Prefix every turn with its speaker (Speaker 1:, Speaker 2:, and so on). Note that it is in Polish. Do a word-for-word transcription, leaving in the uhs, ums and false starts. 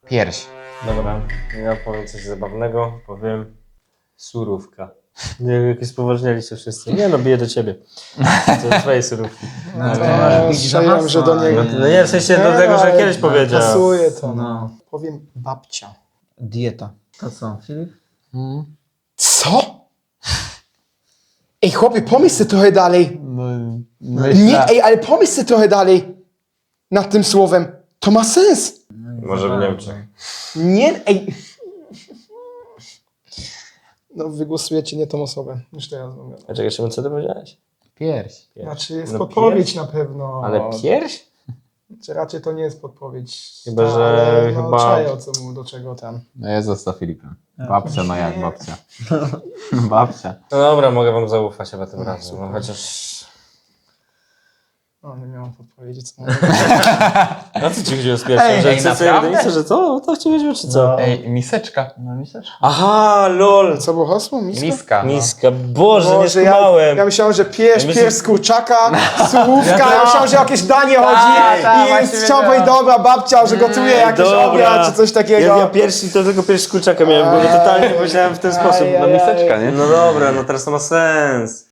Speaker 1: Pierś.
Speaker 2: Dobra, ja powiem coś zabawnego, powiem surówka. Nie, jakieś spoważnialiście wszyscy. Nie no, biję do ciebie. To jest twoje surówki.
Speaker 3: No,
Speaker 4: to
Speaker 3: widzisz,
Speaker 4: strzeliłem,
Speaker 3: aha,
Speaker 4: że do niego.
Speaker 2: No, no nie, w sensie do
Speaker 4: Nie,
Speaker 2: tego, że
Speaker 4: ale
Speaker 2: kiedyś powiedział.
Speaker 4: Pasuje to.
Speaker 3: No.
Speaker 4: No. Powiem babcia.
Speaker 3: Dieta. To co, Filip?
Speaker 4: Co? Ej, chłopie, pomyśl sobie trochę dalej.
Speaker 1: No,
Speaker 4: Nie, ej, ale pomyśl sobie trochę dalej nad tym słowem. To ma sens.
Speaker 2: Może w Niemczech.
Speaker 4: Nie, ej. No, wygłosujecie nie tą osobę. Już teraz mówię.
Speaker 2: A czekaj, Szymon, co ty powiedziałeś?
Speaker 1: Pierś.
Speaker 4: Znaczy, jest
Speaker 2: No,
Speaker 4: podpowiedź na pewno.
Speaker 2: Ale pierś?
Speaker 4: Czy raczej to nie jest podpowiedź.
Speaker 2: Chyba,
Speaker 4: Ta,
Speaker 2: że
Speaker 4: ale no,
Speaker 2: chyba-
Speaker 4: czaję, o co mu, do czego tam.
Speaker 1: No ja zostaw Filipem. Babcia, no jak babcia? Babcia.
Speaker 2: No dobra, mogę wam zaufać chyba tym razem. No, chociaż...
Speaker 4: No, nie miałem podpowiedzi, co mówię.
Speaker 2: A co ci chodziło z pierwszym?
Speaker 1: Ej,
Speaker 2: że
Speaker 1: ej,
Speaker 2: co, co,
Speaker 1: naprawdę?
Speaker 2: jedynie, że co? To ci chodziło, czy co?
Speaker 1: Ej, miseczka.
Speaker 3: No miseczka.
Speaker 2: Aha, lol!
Speaker 4: Co było hasło? Miska?
Speaker 1: Miska. No.
Speaker 2: Miska, Boże, nie
Speaker 4: Boże, ja,
Speaker 2: skumałem!
Speaker 4: ja myślałem, że pierś,
Speaker 2: Ja myślę-
Speaker 4: pierś z kurczaka, surówka, ja myślałem, że o jakieś danie chodzi
Speaker 1: ta,
Speaker 4: i
Speaker 1: właśnie
Speaker 4: chciałem
Speaker 1: wiedziałem.
Speaker 4: powiedzieć, dobra, babcia, że gotuje jakiś obiad czy coś takiego.
Speaker 2: Ja, ja pierwszy, to tylko pierwszy z kurczaka miałem, bo totalnie myślałem w ten sposób.
Speaker 4: Aj,
Speaker 2: No,
Speaker 4: aj,
Speaker 2: miseczka,
Speaker 1: aj.
Speaker 2: nie? No dobra, no teraz to ma sens.